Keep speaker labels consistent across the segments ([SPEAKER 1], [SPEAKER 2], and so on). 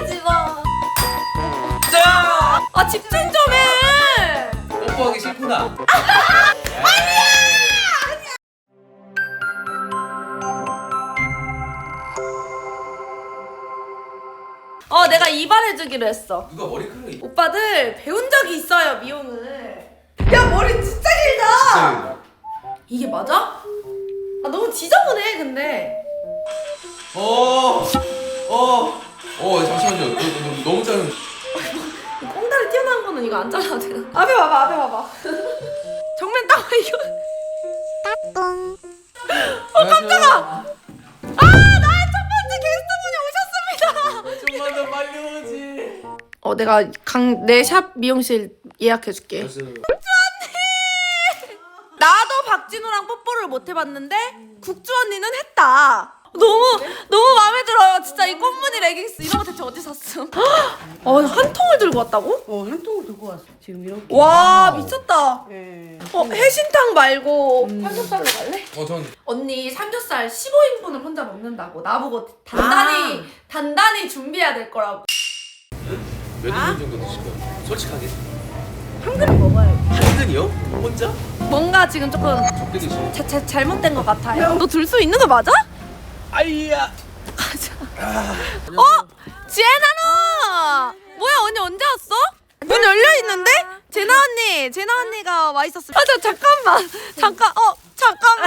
[SPEAKER 1] 때리지 마.
[SPEAKER 2] 자!
[SPEAKER 3] 아 집중 좀 해.
[SPEAKER 2] 뽀뽀하기 싫구나.
[SPEAKER 3] 내가 이발해주기로 했어.
[SPEAKER 2] 누가 머리카락이
[SPEAKER 3] 오빠들 배운 적이 있어요 미용을. 야 머리 진짜 길다.
[SPEAKER 2] 진짜.
[SPEAKER 3] 이게 맞아? 아 너무 지저분해 근데.
[SPEAKER 2] 잠시만요. 너무 짧은.
[SPEAKER 3] 꽁다리 튀어나온 거는 이거 안 잘라도 되나? 앞에 봐봐 앞에 봐봐. 정면 딱 이거.
[SPEAKER 2] 깜짝아.
[SPEAKER 3] 나의 첫 번째 게스트분이 오셨습니다.
[SPEAKER 2] 좀만 더 빨리 오지.
[SPEAKER 3] 내가 내 샵 미용실 예약해줄게. 나도 박진우랑 뽀뽀를 못 해봤는데 국주 언니는 했다. 너무 마음에 들어요. 진짜 이 꽃무늬 레깅스 이런 거 대체 어디 샀음? 한 통을 들고 왔다고?
[SPEAKER 1] 한 통을 들고 왔어. 지금 이렇게.
[SPEAKER 3] 와 미쳤다.
[SPEAKER 1] 예.
[SPEAKER 3] 해신탕 말고 삼겹살로 갈래?
[SPEAKER 2] 전
[SPEAKER 3] 언니 삼겹살 15인분을 혼자 먹는다고 나보고 단단히 준비해야 될 거라고.
[SPEAKER 2] 몇 인분 정도 드실 거예요? 솔직하게.
[SPEAKER 1] 한 그릇 먹어야지.
[SPEAKER 2] 한 근이요? 혼자?
[SPEAKER 3] 뭔가 지금 조금
[SPEAKER 2] 적게 드시네.
[SPEAKER 3] 잘못된 것 같아요. 너 들 수 있는 거 맞아?
[SPEAKER 2] 아이야.
[SPEAKER 3] 지혜나노! 뭐야 언니 언제 왔어? 문 열려 있는데? 제나 언니가 와 있었어. 잠깐만. 잠깐만.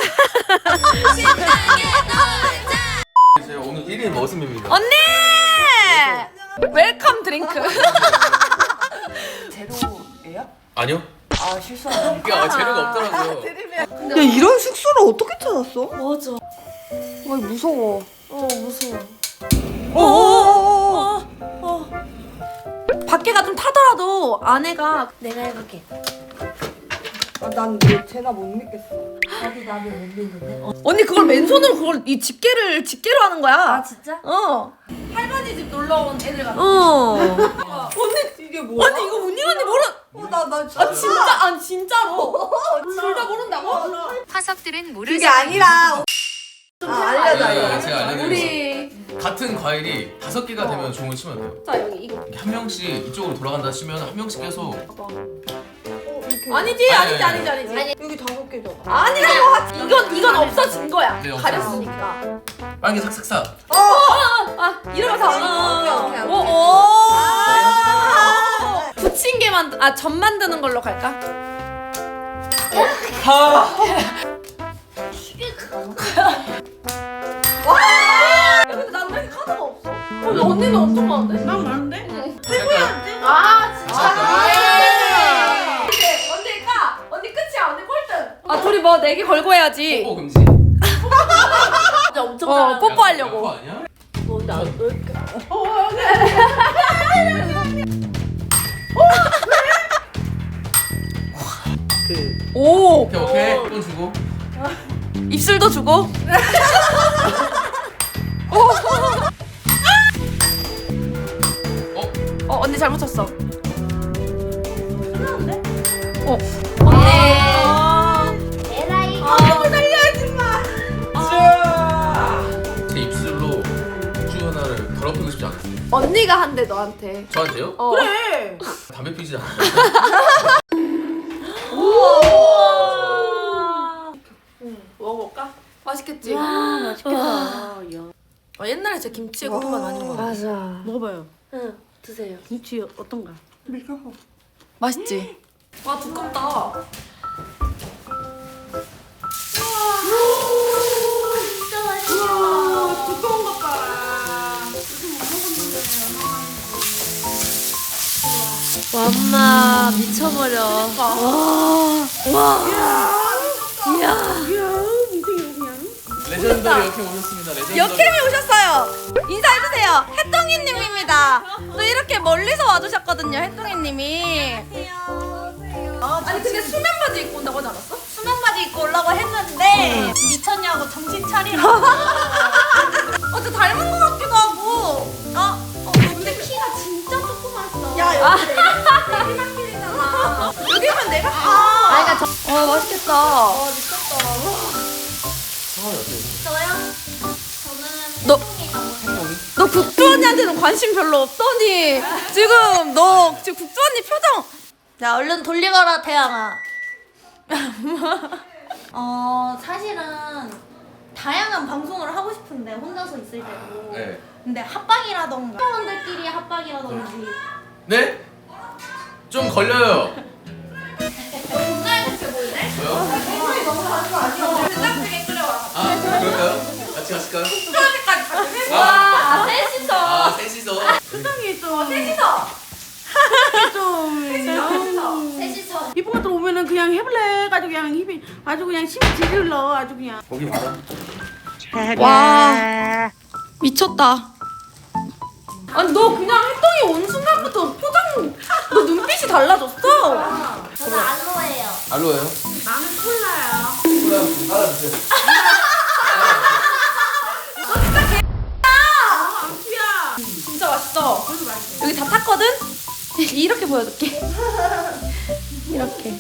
[SPEAKER 2] 제가 오늘 1일 머슴입니다.
[SPEAKER 3] 언니! 웰컴 드링크.
[SPEAKER 1] 제로예요?
[SPEAKER 2] 아니요.
[SPEAKER 1] 아 실수하네.
[SPEAKER 2] 야, 재료가 없더라고요.
[SPEAKER 1] 야 이런 숙소를 어떻게 찾았어?
[SPEAKER 3] 맞아.
[SPEAKER 1] 무서워.
[SPEAKER 3] 무서워.
[SPEAKER 1] 어.
[SPEAKER 3] 밖에가 좀 타더라도 안에가
[SPEAKER 1] 내가 해볼게. 난 쟤나 못 믿겠어. 나도 못 믿는데.
[SPEAKER 3] 언니 그걸 맨손으로 그걸 이 집게로 하는 거야.
[SPEAKER 1] 진짜?
[SPEAKER 3] 할머니 집 놀러 온 애들 같아.
[SPEAKER 1] 언니 이게 뭐야?
[SPEAKER 3] 아니 이거 언니 모르.
[SPEAKER 1] 나 진짜.
[SPEAKER 3] 진짜로. 진짜 모른다고?
[SPEAKER 4] 화석들은 모르는
[SPEAKER 1] 그게 아니라. 알려줘.
[SPEAKER 2] 제가 알려드릴게요.
[SPEAKER 3] 우리
[SPEAKER 2] 같은 과일이 5개가 되면 종을 치면 돼요.
[SPEAKER 3] 자 여기 이거.
[SPEAKER 2] 이렇게 한 명씩 이쪽으로 돌아간다 치면 한 명씩 계속
[SPEAKER 3] 아니지.
[SPEAKER 2] 아니.
[SPEAKER 1] 여기 5개잖아.
[SPEAKER 3] 아니라고. 이건 없어진 거야.
[SPEAKER 2] 네,
[SPEAKER 3] 가렸으니까.
[SPEAKER 2] 빨개 삭삭삭.
[SPEAKER 3] 이러면서.
[SPEAKER 1] 오케이.
[SPEAKER 3] 붙인 게 전 만드는 걸로 갈까? 근데 난 왜 카드가 없어? 언니는 엄청 많은데?
[SPEAKER 1] 난 많은데?
[SPEAKER 2] 진짜.
[SPEAKER 3] 언니 끝이야. 언니 꼴등. 둘이 뭐 내기 걸고 해야지.
[SPEAKER 2] 뽀뽀 금지.
[SPEAKER 1] 진짜 엄청
[SPEAKER 3] 뽀뽀하려고.
[SPEAKER 2] 뽀뽀 아니야?
[SPEAKER 3] 오.
[SPEAKER 2] 오케이. 돈 주고.
[SPEAKER 3] 입술도 주고. 언니 잘못 쳤어.
[SPEAKER 1] 끝났는데?
[SPEAKER 3] 언니.
[SPEAKER 1] 에라이 컴퓨터 살려야지 마.
[SPEAKER 2] 제 입술로 우주 하나를 더럽히고 싶지 않았어요.
[SPEAKER 3] 언니가 한대 너한테.
[SPEAKER 2] 저한테요?
[SPEAKER 1] 그래.
[SPEAKER 2] 담배 피지 않아요.
[SPEAKER 3] 먹어볼까? 맛있겠지?
[SPEAKER 1] 맛있겠다.
[SPEAKER 3] 옛날에 제 김치에 고구마 많이 먹어.
[SPEAKER 1] 맞아.
[SPEAKER 4] 먹어봐요.
[SPEAKER 1] 응, 드세요.
[SPEAKER 4] 김치 어떤가?
[SPEAKER 3] 맛있지? 와 두껍다.
[SPEAKER 1] 진짜 맛있어.
[SPEAKER 3] 두꺼운 것 봐.
[SPEAKER 4] 와, 엄마 미쳐버려.
[SPEAKER 2] 레전드 역행 오셨습니다. 레전드.
[SPEAKER 3] 역캠이 오셨어요. 인사해주세요. 혜똥이님입니다. 또 이렇게 멀리서 와주셨거든요. 혜똥이님이. 아니 근데 수면 바지 입고 온다고 하지 않았어?
[SPEAKER 1] 수면 바지 입고 오려고 했는데 미쳤냐고 정신 차리라고.
[SPEAKER 3] 저 닮은 것 같기도 하고.
[SPEAKER 1] 근데 키가 진짜 조그맣어.
[SPEAKER 3] 야 여기 내가 길이잖아. 여기면 내가 맛있겠다.
[SPEAKER 1] 저요? 저는
[SPEAKER 3] 너-
[SPEAKER 1] 혜동이가
[SPEAKER 3] 너 국주 언니한테 언니한테는 관심 별로 없더니 지금 너 지금 국주 언니 표정.
[SPEAKER 5] 야 얼른 돌리거라 태양아. 사실은 다양한 방송을 하고 싶은데 혼자서 있을 때도.
[SPEAKER 2] 네.
[SPEAKER 5] 근데 합방이라던가 사람들끼리 합방이라든지.
[SPEAKER 2] 네? 좀 걸려요.
[SPEAKER 5] 존나 대체 보이네?
[SPEAKER 2] 뭐요?
[SPEAKER 3] 된장찌개 끓여와.
[SPEAKER 2] 아 그럴까요? 같이 가실까요?
[SPEAKER 3] 수저까지 같이 해.
[SPEAKER 5] 와 셋이서.
[SPEAKER 2] 아 셋이서.
[SPEAKER 6] 세상에 좀
[SPEAKER 3] 셋이서.
[SPEAKER 5] 셋이서.
[SPEAKER 6] 이쁜 것들 오면은 그냥 해볼래 가지고 그냥 힘이 아주 그냥 힘이 지질러 아주 그냥.
[SPEAKER 2] 거기 봐라.
[SPEAKER 3] 와 미쳤다. 아니 너 그냥 햇덩이 온 순간부터 표정 너 눈빛이 달라졌어.
[SPEAKER 5] 저는 알로에예요.
[SPEAKER 2] 알로에요?
[SPEAKER 6] 나는 콜라야.
[SPEAKER 2] 콜라 좀 따라주세요.
[SPEAKER 3] 진짜 맛있어. 여기 다 탔거든? 이렇게 보여줄게. 이렇게.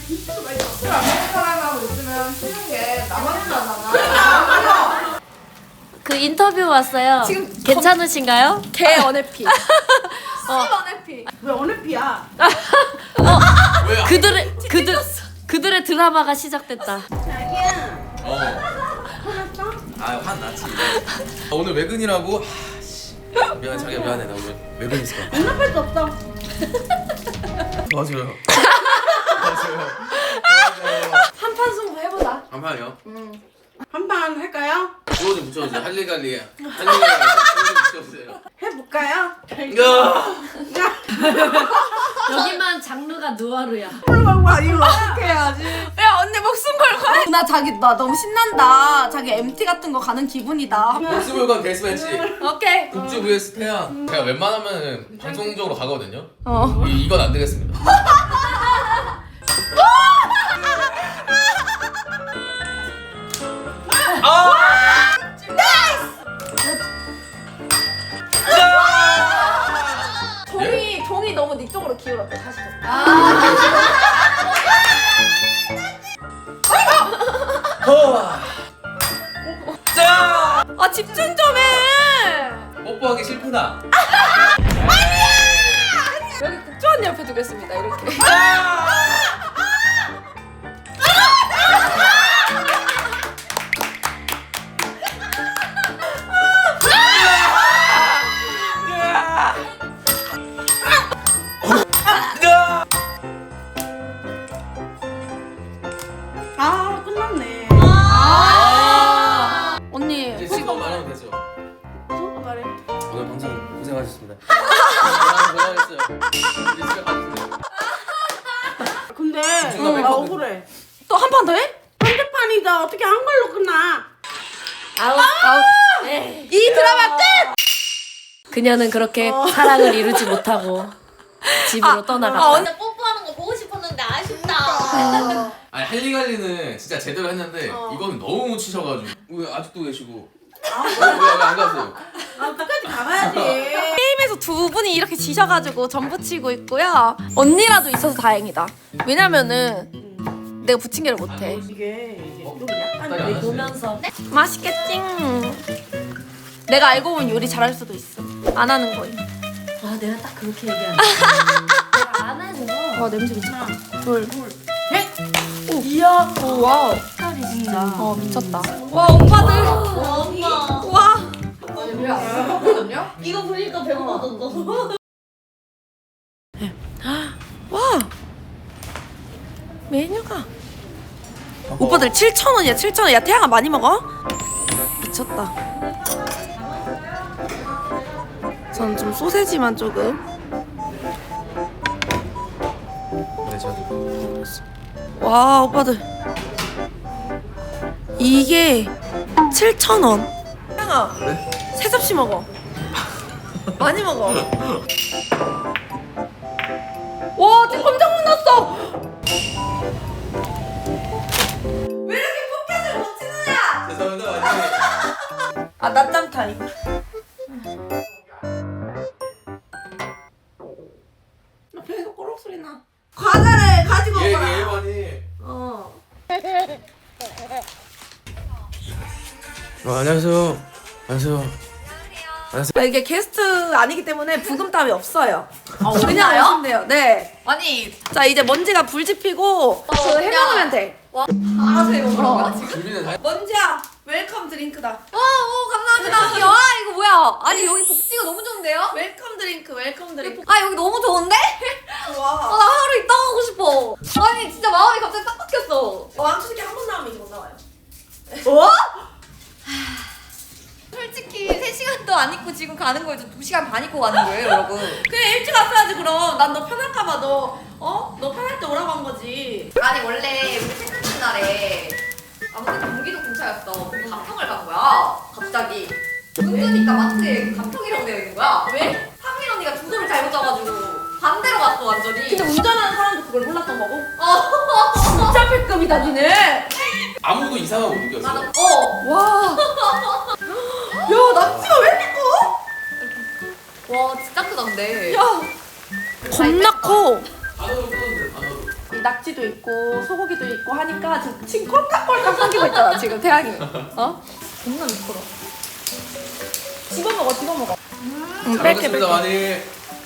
[SPEAKER 5] 그 인터뷰 왔어요.
[SPEAKER 3] 지금
[SPEAKER 5] 괜찮으신가요?
[SPEAKER 3] 개 언해피.
[SPEAKER 6] 왜 어느 피야?
[SPEAKER 2] 왜?
[SPEAKER 5] 그들의 드라마가 시작됐다.
[SPEAKER 2] 어. 아 화났지. 오늘 외근이라고. 미안해 자기야 미안해 나 오늘 외근 있어.
[SPEAKER 6] 눈앞에 수 없어.
[SPEAKER 2] 도와줘요. 도와줘요.
[SPEAKER 3] 한판 승부 해보자.
[SPEAKER 2] 한 판이요?
[SPEAKER 6] 한 판 할까요?
[SPEAKER 2] 주워 좀 붙여주세요. 할리갈리. 주워 좀 붙여주세요.
[SPEAKER 6] 해볼까요?
[SPEAKER 2] 야.
[SPEAKER 5] 여기만 장르가 누아르야.
[SPEAKER 6] 와 이거.
[SPEAKER 3] 야 언니 목숨 걸고 해. 나 너무 신난다. 자기 MT 같은 거 가는 기분이다.
[SPEAKER 2] 목수물관 데스매치.
[SPEAKER 3] 오케이.
[SPEAKER 2] 국주 vs 태양. 제가 웬만하면 방송적으로 가거든요.
[SPEAKER 3] 어.
[SPEAKER 2] 이건 안 되겠습니다.
[SPEAKER 3] 종이 너무 네 쪽으로 기울었대. 다시 좀. 아 집중 좀 해.
[SPEAKER 2] 뽀뽀하기 싫구나.
[SPEAKER 3] 여기 국주 언니 옆에 두겠습니다. 이렇게.
[SPEAKER 6] 아 끝났네.
[SPEAKER 3] 언니
[SPEAKER 2] 이제 지금 말하면 되죠.
[SPEAKER 6] 말해.
[SPEAKER 2] 오늘 방송 고생하셨습니다. 고생하셨어요. 이제 집에 가주세요.
[SPEAKER 6] 근데
[SPEAKER 2] 중간에
[SPEAKER 6] 나
[SPEAKER 2] 했거든.
[SPEAKER 6] 억울해.
[SPEAKER 3] 또 한 판 더 해?
[SPEAKER 6] 한대판이다. 어떻게 한 걸로 끝나?
[SPEAKER 5] 아웃.
[SPEAKER 3] 이 드라마 끝!
[SPEAKER 5] 그녀는 그렇게 사랑을 이루지 못하고 집으로 떠나갔다.
[SPEAKER 3] 언니
[SPEAKER 5] 뽀뽀하는 거 보고 싶었는데 아쉽다.
[SPEAKER 2] 아니 할리갈리는 진짜 제대로 했는데 이거는 너무 못 치셔가지고 왜 아직도 계시고 왜안 가세요?
[SPEAKER 6] 아 끝까지 가봐야지.
[SPEAKER 3] 게임에서 두 분이 이렇게 지셔가지고 전 붙이고 있고요. 언니라도 있어서 다행이다. 왜냐면은 내가 부침개를 못해.
[SPEAKER 6] 이게 좀 약간
[SPEAKER 2] 빨리 안 하세요.
[SPEAKER 5] 보면서
[SPEAKER 3] 맛있겠지? 내가 알고 보면 요리 잘할 수도 있어. 안 하는 거임.
[SPEAKER 5] 아 내가 딱 그렇게 얘기하는 내가 안 해서
[SPEAKER 3] 와 냄새 미쳤다. 둘.
[SPEAKER 5] 이야
[SPEAKER 3] 오 와우.
[SPEAKER 5] 색깔이 진짜
[SPEAKER 3] 미쳤다. 와 오빠들.
[SPEAKER 5] 엄마
[SPEAKER 3] 와.
[SPEAKER 5] 이거 보니까 배고파졌어.
[SPEAKER 3] 와. 메뉴가. 오빠들 7,000원이야 7,000원. 야 태양아 많이 먹어? 미쳤다. 전 좀 소세지만 조금.
[SPEAKER 2] 네 저도.
[SPEAKER 3] 와 오빠들 이게 7,000원. 태양아
[SPEAKER 2] 네?
[SPEAKER 3] 세 접시 먹어. 많이 먹어. 와 지금 깜짝 놀랐어. 왜 이렇게 포켓을 못 치느냐?
[SPEAKER 2] 죄송합니다 많이.
[SPEAKER 3] 아 낮잠 타임. 나 배에서 꼬록 소리 나. 과자를 가지고
[SPEAKER 2] 예
[SPEAKER 3] 오거라.
[SPEAKER 2] 예 많이.
[SPEAKER 3] 어.
[SPEAKER 2] 안녕하세요. 안녕하세요.
[SPEAKER 3] 이게 게스트 아니기 때문에 부금땀이 없어요. 그냥
[SPEAKER 5] 없나요?
[SPEAKER 3] 오시면 돼요. 네.
[SPEAKER 5] 아니
[SPEAKER 3] 자 이제 먼지가 불 지피고 그 해먹으면 돼.
[SPEAKER 5] 알아세요 그러면 지금?
[SPEAKER 2] 준비는 다
[SPEAKER 3] 먼지야 웰컴 드링크다.
[SPEAKER 5] 오 감사합니다. 와 이거 뭐야? 아니 여기 복지가 너무 좋은데요?
[SPEAKER 3] 웰컴 드링크 웰컴 드링크.
[SPEAKER 5] 아 여기 너무 좋은데?
[SPEAKER 3] 좋아.
[SPEAKER 5] 나 하루 있다 가고 싶어. 아니 진짜 마음이 갑자기 딱 바뀌었어.
[SPEAKER 3] 왕초식이 한 번 나오면 이제 못 나와요.
[SPEAKER 5] 솔직히 3시간도 안 입고 지금 가는 거예요. 2시간 반 입고 가는 거예요 여러분.
[SPEAKER 3] 그래 일찍 왔어야지 그럼. 난 너 편할까봐 너 편할 때 오라고 한 거지.
[SPEAKER 5] 아니 원래 우리 생각난 날에 아무튼 경기도 근처였어. 거기 가평을 간 거야. 갑자기. 은근히까 마트에 가평이라고 되어 있는 거야. 왜? 상민 언니가 주소를 잘못 잡아가지고 반대로 갔어 완전히.
[SPEAKER 3] 근데 운전하는 사람도 그걸 몰랐던 거고.
[SPEAKER 5] 어.
[SPEAKER 3] 진짜 패급이다 니네.
[SPEAKER 2] 아무도 이상하고 못 느꼈어.
[SPEAKER 5] 맞아. 어.
[SPEAKER 3] 와. 야 낙지가 왜 이렇게 커?
[SPEAKER 5] 와 진짜 크던데.
[SPEAKER 3] 야. 겁나 커.
[SPEAKER 2] 단어로 끊었는데 단어로.
[SPEAKER 3] 이 낙지도 있고 소고기도 있고 하니까 지금 꼴깍꼴깍 삼키고 있잖아 지금 태양이. 어? 겁나 미끄러. 집어먹어 집어먹어.
[SPEAKER 2] 잘 먹겠습니다 많이.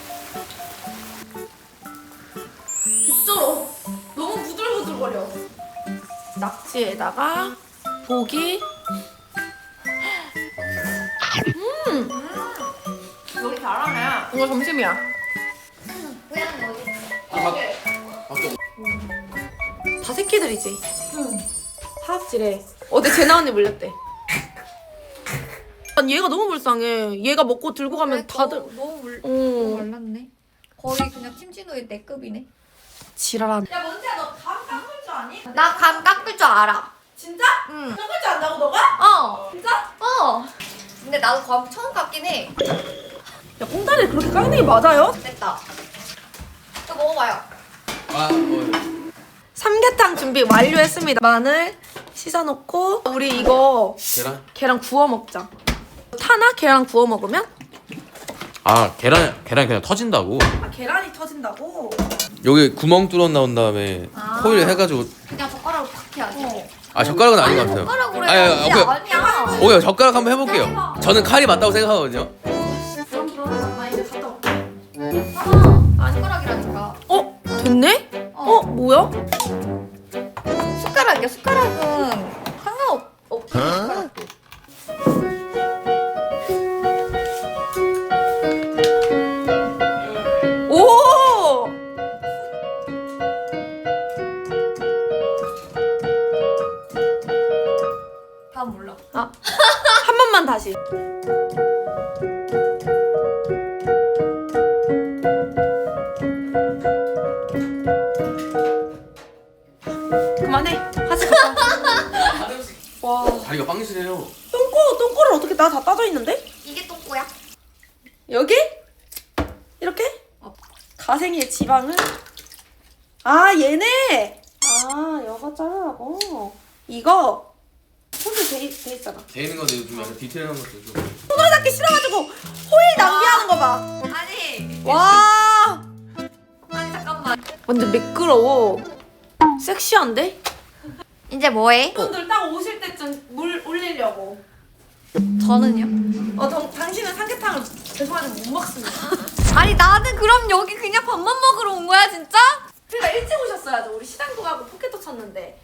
[SPEAKER 3] 진짜로 너무 부들부들거려. 낙지에다가 고기.
[SPEAKER 5] 요리 잘하네.
[SPEAKER 3] 이거 점심이야.
[SPEAKER 5] 고양이 어디?
[SPEAKER 2] 밖에.
[SPEAKER 3] 다 새끼들이지. 사업질에 어제 재나 언니 물렸대. 아니 얘가 너무 불쌍해. 얘가 먹고 들고 가면 다들
[SPEAKER 5] 너무
[SPEAKER 3] 어.
[SPEAKER 5] 말랐네. 거의 그냥 팀진호의 내 급이네.
[SPEAKER 3] 지랄한.
[SPEAKER 1] 야 먼지야 너 감 깎을 줄 아니?
[SPEAKER 5] 나 감 깎을 줄 알아.
[SPEAKER 1] 진짜?
[SPEAKER 5] 응.
[SPEAKER 1] 깎을 줄 안다고 너가?
[SPEAKER 5] 어.
[SPEAKER 1] 진짜?
[SPEAKER 5] 어. 근데 나도 감 처음 깎긴 해.
[SPEAKER 3] 야 꽁다리 그렇게 깎는 게 맞아요?
[SPEAKER 5] 됐다. 이거 먹어봐요.
[SPEAKER 3] 삼계탕 준비 완료했습니다. 마늘 씻어놓고 우리 이거 계란 구워 먹자. 타나? 계란 구워 먹으면?
[SPEAKER 2] 아 계란이 그냥 터진다고?
[SPEAKER 3] 아 계란이 터진다고?
[SPEAKER 2] 여기 구멍 뚫어 나온 다음에 호일 해가지고.
[SPEAKER 5] 그냥 젓가락으로 팍 해야지.
[SPEAKER 2] 아 젓가락은 아닌 것 같아요.
[SPEAKER 5] 젓가락으로
[SPEAKER 2] 아니,
[SPEAKER 5] 해야지.
[SPEAKER 2] 오케이.
[SPEAKER 5] 아니야.
[SPEAKER 2] 오케이 젓가락 한번 해볼게요. 저는 칼이 맞다고 생각하거든요.
[SPEAKER 3] 그럼 나 이제 갔다 올게.
[SPEAKER 5] 아, 숟가락이라니까.
[SPEAKER 3] 어? 됐네? 어? 뭐야?
[SPEAKER 5] 숟가락이야. 숟가락은 상관없지. 숟가락도.
[SPEAKER 3] 오!
[SPEAKER 5] 다음 몰라.
[SPEAKER 3] 아, 한 번만 다시. 그만해. 하지 마. 와.
[SPEAKER 2] 다리가 빵실해요.
[SPEAKER 3] 똥꼬를 어떻게 나 다 따져 있는데?
[SPEAKER 5] 이게 똥꼬야.
[SPEAKER 3] 여기? 이렇게? 가생이의 지방은? 아 얘네! 아 여가 자르라고. 이거 손질 돼 있잖아.
[SPEAKER 2] 돼 있는 건데 요즘 약간 디테일한 것도 좀.
[SPEAKER 3] 손으로 닦기 싫어가지고 호일 낭비하는 거 봐.
[SPEAKER 5] 아니.
[SPEAKER 3] 와.
[SPEAKER 5] 아니 잠깐만.
[SPEAKER 3] 완전 매끄러워. 섹시한데?
[SPEAKER 5] 이제 뭐해?
[SPEAKER 3] 분들 딱 오실 때쯤 물 올리려고.
[SPEAKER 5] 저는요?
[SPEAKER 3] 당신은 삼계탕을 죄송하지만 못 먹습니다.
[SPEAKER 5] 아니 나는 그럼 여기 그냥 밥만 먹으러 온 거야 진짜?
[SPEAKER 3] 그러니까 일찍 오셨어야죠. 우리 시장도 가고 포켓도 쳤는데.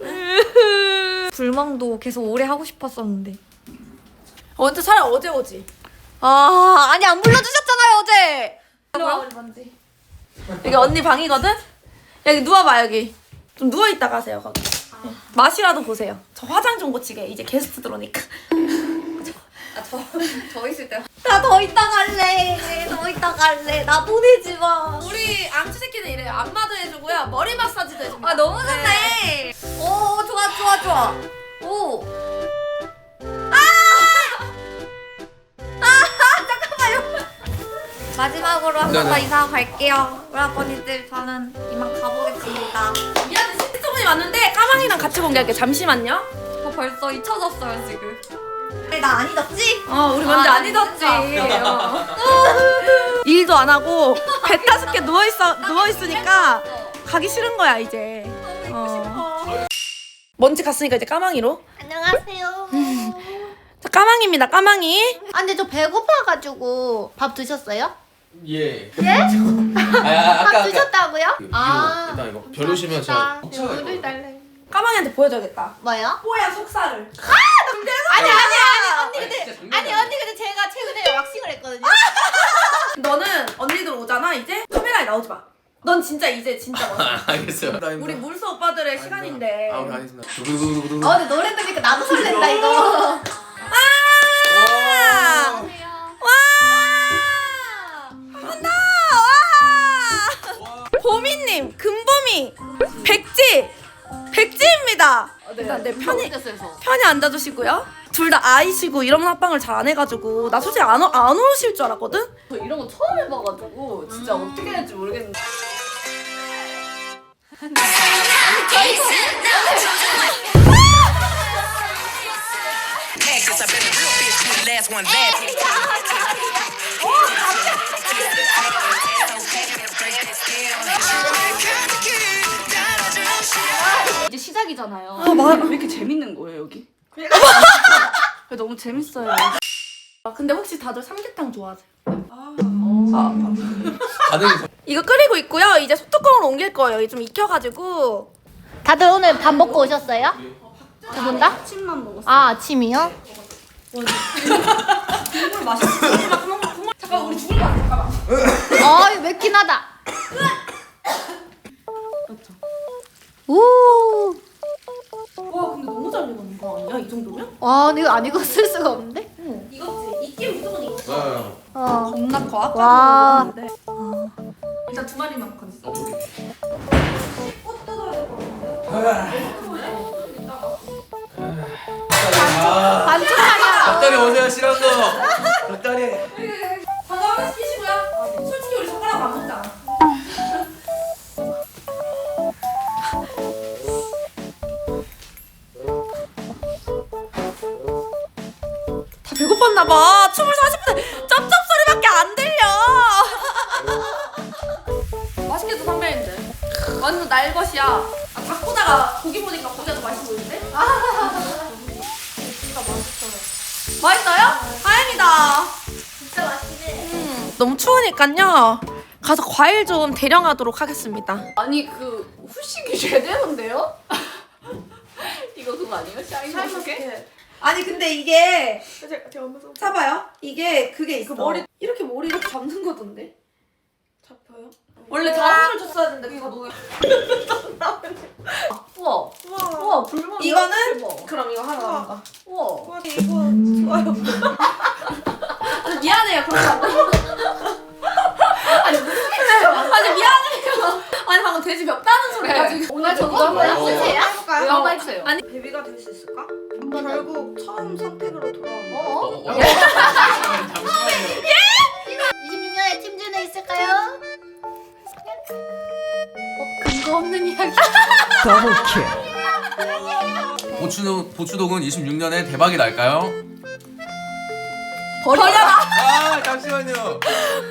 [SPEAKER 5] 불멍도 계속 오래 하고 싶었었는데.
[SPEAKER 3] 언제 차라리 어제 오지.
[SPEAKER 5] 아 아니 안 불러주셨잖아요 어제.
[SPEAKER 3] 뭐야 우리 먼지. 여기 언니 방이거든? 여기 누워봐 여기. 좀 누워있다 가세요 거기. 네. 맛이라도 보세요. 저 화장 좀 고치게 이제 게스트 들어오니까.
[SPEAKER 5] 저 있을 때. 나 더 있다 갈래. 더 있다 갈래. 나 보내지 마.
[SPEAKER 3] 우리 앙치 새끼는 이래요. 안마도 해주고요. 머리 마사지도 해줍니다.
[SPEAKER 5] 아 너무 좋네. 오 좋아 좋아 좋아. 오. 잠깐만요. 마지막으로 한 번 더
[SPEAKER 2] 네네.
[SPEAKER 5] 인사하고 갈게요. 우리 아버님들 저는 이만 가보겠습니다.
[SPEAKER 3] 미안해 시청분이 왔는데 까망이랑 같이 공개할게. 잠시만요.
[SPEAKER 5] 저 벌써 잊혀졌어요 지금. 나 안 잊었지?
[SPEAKER 3] 우리 먼저 안 잊었지. 일도 안 하고 배 따숩게 누워 있으니까 가기 싫은 거야 이제. 먼지 갔으니까 이제 까망이로.
[SPEAKER 5] 안녕하세요.
[SPEAKER 3] 자, 까망입니다. 까망이.
[SPEAKER 7] 아 근데 저 배고파가지고 밥 드셨어요?
[SPEAKER 2] 예.
[SPEAKER 7] 예?
[SPEAKER 2] 아까
[SPEAKER 7] 밥 드셨다고요?
[SPEAKER 2] 이거,
[SPEAKER 7] 아
[SPEAKER 2] 일단 이거 별로시면 제가 먹차가
[SPEAKER 7] 물을
[SPEAKER 2] 이거.
[SPEAKER 7] 달래.
[SPEAKER 3] 까망이한테 보여줘야겠다.
[SPEAKER 7] 뭐요?
[SPEAKER 3] 뽀얀 속살을.
[SPEAKER 7] 아니 언니
[SPEAKER 2] 진짜
[SPEAKER 7] 근데
[SPEAKER 2] 장난
[SPEAKER 7] 아니
[SPEAKER 2] 아니야.
[SPEAKER 7] 언니 근데 제가 최근에 왁싱을 했거든요.
[SPEAKER 3] 너는 언니들 오잖아 이제 카메라에 나오지 마. 넌 진짜 이제 진짜 멋있어.
[SPEAKER 2] 알겠어요.
[SPEAKER 3] 우리 물소 오빠들의 시간인데.
[SPEAKER 2] 아, 알겠습니다. 두구두구두구두구.
[SPEAKER 7] 아 근데 노래 들으니까 나도 설렌다 이거.
[SPEAKER 2] 와.
[SPEAKER 3] 와! 한다! 와! 보미님, 금보미, 백지입니다. 일단 내 편히 앉아주시고요. 둘 다 아이시고 이런 합방을 잘 안 해가지고 나 솔직히 안 오실 줄 알았거든.
[SPEAKER 5] 저 이런 거 처음 해봐가지고 진짜 어떻게 해야 될지 모르겠는데. 이제 시작이잖아요.
[SPEAKER 6] 왜 이렇게 재밌는 거예요 여기? 너무 재밌어요.
[SPEAKER 3] 근데 혹시 다들 삼계탕 좋아하세요?
[SPEAKER 2] 다들
[SPEAKER 3] 이거 끓이고 있고요. 이제 소뚜껑으로 옮길 거예요. 이게 좀 익혀가지고.
[SPEAKER 7] 다들 오늘 밥 먹고 오셨어요? 두 분 다?
[SPEAKER 6] 침만 먹었어.
[SPEAKER 7] 아 아침이요?
[SPEAKER 3] 국물 맛있어. 잠깐 우리 죽을 것 같아. 잠깐만.
[SPEAKER 7] 이거 맵긴 하다. 오.
[SPEAKER 3] 와 근데 너무 잘 익었는 거 아니야? 이 정도면?
[SPEAKER 7] 와 근데 이거 안 익었을 수가 없는데?
[SPEAKER 3] 익었지. 익긴 무조건 익었어.
[SPEAKER 2] 네.
[SPEAKER 3] 겁나 커. 아까도
[SPEAKER 7] 와.
[SPEAKER 3] 먹었는데. 일단 두 마리만 건졌어.
[SPEAKER 7] 반쪽하냐?
[SPEAKER 2] 닭다리 오세요 싫어한 거. 닭다리.
[SPEAKER 3] 방금 하나씩 끼시고요. 솔직히 우리 젓가락 안 먹잖아. 다 배고팠나봐. 춤을 40분 쩝쩝 소리밖에 안 들려. 맛있겠다 선배님들. 완전 날것이야. 아, 닭 보다가 고기 보니까 고기가 더 맛있어 보이는데? 진짜 맛있어요. 맛있어요? 다행이다.
[SPEAKER 7] 진짜 맛있네.
[SPEAKER 3] 너무 추우니까요. 가서 과일 좀 대령하도록 하겠습니다.
[SPEAKER 5] 아니 그 후식이 제대로인데요? 이거 그거 아니에요? 샤인머스켓?
[SPEAKER 3] 아니 근데 이게 잡아요. 이게 그게 있어. 머리 이렇게 머리 이렇게 잡는 거던데. 잡혀요? 원래 다음을 줬어야 되는데 그거 너무.
[SPEAKER 5] 우와. 우와 불멍.
[SPEAKER 3] 이거는 그럼 이거 하나 남아.
[SPEAKER 5] 우와.
[SPEAKER 3] 이거 좋아요. 아니, 미안해요. 그런 거 안. 아니 무슨 일이에요? 아니 미안해요. 아니 방금 돼지 맵다는 소리 가지고.
[SPEAKER 5] 오늘 저거 한번 해보세요.
[SPEAKER 3] 해볼까요?
[SPEAKER 5] 이거 한번 해주세요.
[SPEAKER 3] 아니 베비가 될 수 있을까? 결국 처음 선택으로 돌아오는 거.
[SPEAKER 2] 잠시만요.
[SPEAKER 7] 26년에 팀준에 있을까요?
[SPEAKER 5] 근거 없는 이야기.
[SPEAKER 2] 보추동은 26년에 대박이 날까요?
[SPEAKER 3] 버려라.
[SPEAKER 2] 아 잠시만요.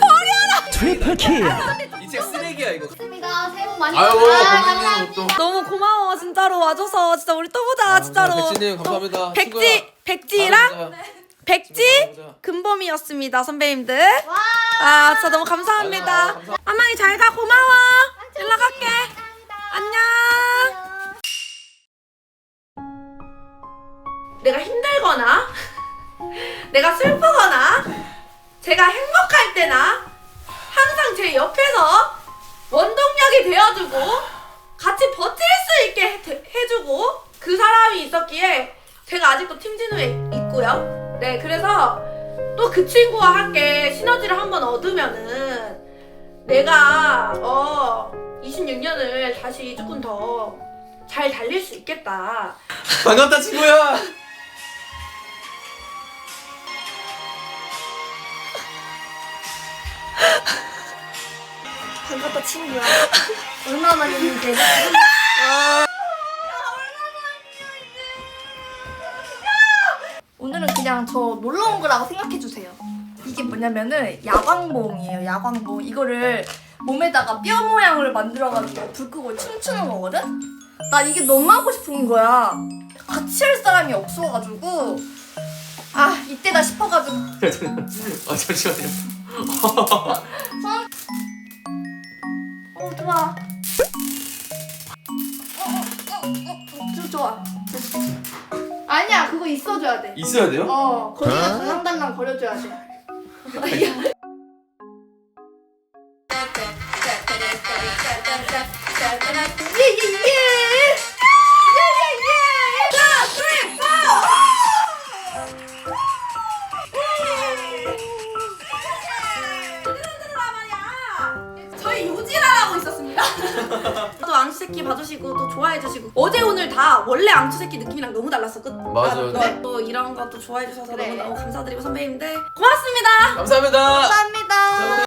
[SPEAKER 2] 이 책 쓰레기야 이거.
[SPEAKER 7] 좋습니다. 새해 복 많이
[SPEAKER 2] 아유
[SPEAKER 7] 받으세요.
[SPEAKER 2] 고객님 또.
[SPEAKER 3] 너무 고마워 진짜로 와줘서 진짜 우리 또 보자 진짜로.
[SPEAKER 2] 백지님 감사합니다.
[SPEAKER 3] 백지랑 백지 금범이었습니다 선배님들. 아 진짜 너무 감사합니다. 아마이 잘 가. 고마워. 연락할게. 안녕. 내가 힘들거나 내가 슬프거나 제가 행복할 때나 항상 제 옆에서 원동력이 되어주고 같이 버틸 수 있게 해주고 그 사람이 있었기에 제가 아직도 팀진우에 있고요. 네, 그래서 또 그 친구와 함께 시너지를 한번 얻으면은 내가 26년을 다시 조금 더 잘 달릴 수 있겠다.
[SPEAKER 2] 반갑다 친구야.
[SPEAKER 3] 반갑다 친구야.
[SPEAKER 7] 얼마나 만났는데?
[SPEAKER 8] 오늘은 그냥 저 놀러 온 거라고 생각해 주세요. 이게 뭐냐면은 야광봉이에요. 야광봉. 이거를 몸에다가 뼈 모양을 만들어가지고 불 끄고 춤추는 거거든? 나 이게 너무 하고 싶은 거야. 같이 할 사람이 없어가지고 아 이때다 싶어가지고
[SPEAKER 2] 잠시만요.
[SPEAKER 8] 좋아. 좋아. 아니야 그거 있어줘야 돼.
[SPEAKER 2] 있어야 돼요?
[SPEAKER 8] 거기가 달랑달랑 거려줘야 돼. 예예예.
[SPEAKER 3] 저희 요지라라고 있었습니다. 또 앙추새끼 봐주시고 또 좋아해주시고 어제 오늘 다 원래 앙추새끼 느낌이랑 너무 달랐어.
[SPEAKER 2] 맞아요.
[SPEAKER 3] 또 이런 것도 좋아해주셔서 너무너무 감사드리고 선배님들 고맙습니다.
[SPEAKER 2] 감사합니다.
[SPEAKER 8] 감사합니다.